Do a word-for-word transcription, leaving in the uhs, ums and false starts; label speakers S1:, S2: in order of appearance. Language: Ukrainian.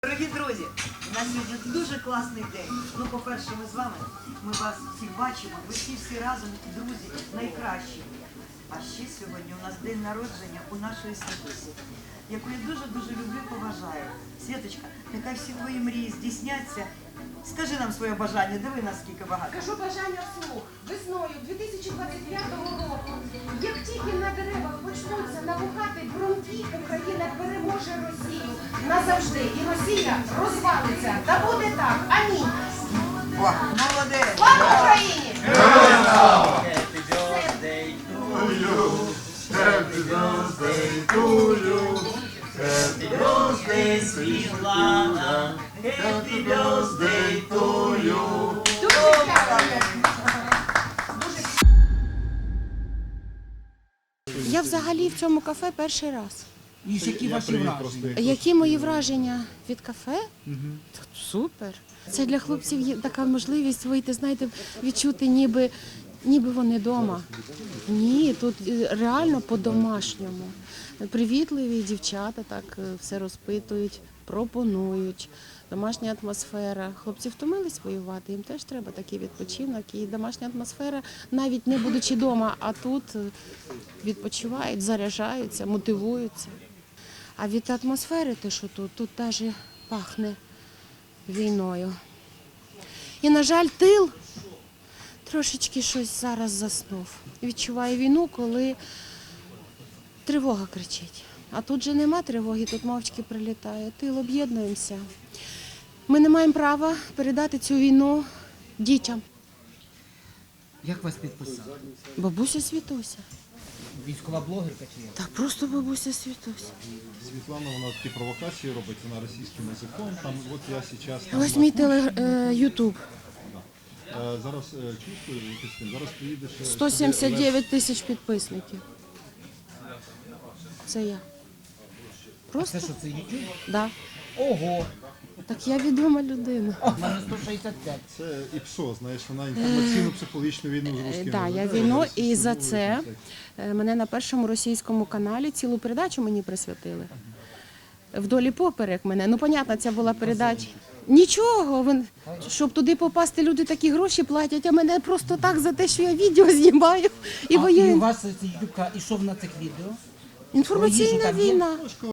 S1: Дорогі друзі, у нас сьогодні дуже класний день. Ну, по-перше, ми з вами, ми вас всіх бачимо, ви всі всі разом, друзі, найкращі. А ще сьогодні у нас день народження у нашої Святусі, яку я дуже-дуже люблю і поважаю. Святочка, нехай всі твої мрії здійсняться. Скажи нам своє бажання, диви наскільки багато.
S2: Кажу бажання вслух. Весною дві тисячі двадцять п'ятого року, як тільки на деревах почнуться набухати бруньки, Україна переможе Росію назавжди. І Росія розвалиться. Та буде так. Амінь.
S1: О, молодець!
S2: Слава Україні!
S3: Happy birthday to you. Happy birthday to you. Happy birthday, Світлана. Happy birthday to you.
S2: Дуже дякую.
S4: Я взагалі в цьому кафе перший раз.
S5: І які ваші враження?
S4: Які мої враження від кафе? Та супер. Це для хлопців є така можливість вийти, знаєте, відчути ніби, ніби вони вдома. Ні, тут реально по-домашньому. Привітливі дівчата так все розпитують, пропонують. Домашня атмосфера. Хлопці втомились воювати, їм теж треба такий відпочинок. І домашня атмосфера, навіть не будучи вдома, а тут відпочивають, заряджаються, мотивуються. А від атмосфери, те, що тут, тут теж пахне війною. І, на жаль, тил трошечки щось зараз заснув. Відчуває війну, коли тривога кричить. А тут же нема тривоги, тут мовчки прилітає. Тил, об'єднуємося. Ми не маємо права передати цю війну дітям.
S5: Як вас підписали?
S4: Бабуся Світуся.
S5: Військова блогерка чи як?
S4: Та просто бабуся Світуся.
S6: Світлана, вона такі провокації робить, вона російським язиком. Там, от я зараз... Там,
S4: Ось мій теле, е, Ютуб.
S6: е, зараз е, чувствую, Кристин, зараз приїдеш... е,
S4: сто сімдесят дев'ять тисяч підписників. Це я. Просто?
S5: Це що, це YouTube?
S4: Да.
S5: Ого!
S4: Так я відома людина.
S5: У мене сто шістдесят п'ять.
S6: Це ІПСО, знаєш, вона інформаційно-психологічну війну з русскими.
S4: Так, я війну, і за це е, мене на першому російському каналі цілу передачу мені присвятили. Вдолі поперек мене. Ну, понятно, це була передача. Нічого, він- щоб туди попасти, люди такі гроші платять, а мене просто так за те, що я відео знімаю і
S5: А, і у
S4: воюю.
S5: вас цей YouTube, і що на цих відео? Про їжу
S4: Інформаційна
S5: там є?
S4: війна.
S6: Трошки